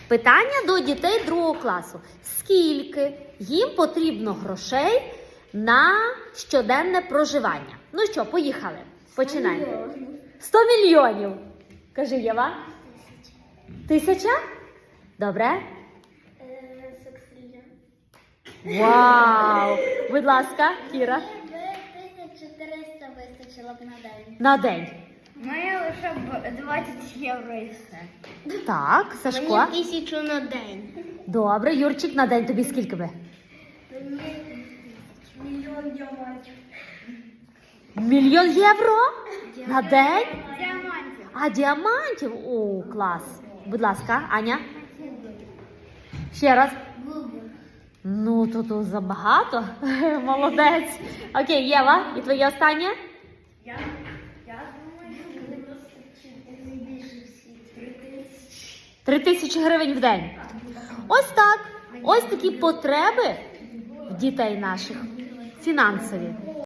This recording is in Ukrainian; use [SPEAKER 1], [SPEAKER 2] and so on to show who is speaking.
[SPEAKER 1] Питання до дітей 2 класу. Скільки їм потрібно грошей на щоденне проживання? Ну що, поїхали. Починаємо. 100 мільйонів. Кажи, Єва. 1000? Добре. Вау! Будь ласка, Кіра.
[SPEAKER 2] 1300 вистачило б на день.
[SPEAKER 1] На день.
[SPEAKER 2] Мені лише б 20 євро і все.
[SPEAKER 1] Так, Сашко.
[SPEAKER 2] 1000 на день.
[SPEAKER 1] Добре, Юрчик, на день тобі скільки би?
[SPEAKER 2] Мільйон діамантів.
[SPEAKER 1] 1 000 000 євро? На день?
[SPEAKER 2] Діамантів.
[SPEAKER 1] А, діамантів? О, клас. Будь ласка, Аня. Ще раз. Ну, тут забагато. Молодець. Окей, Єва, і твоє останнє?
[SPEAKER 2] Я думаю, що не більше всі 3000.
[SPEAKER 1] 3000 гривень в день. Ось так. Ось такі потреби в дітей наших фінансові.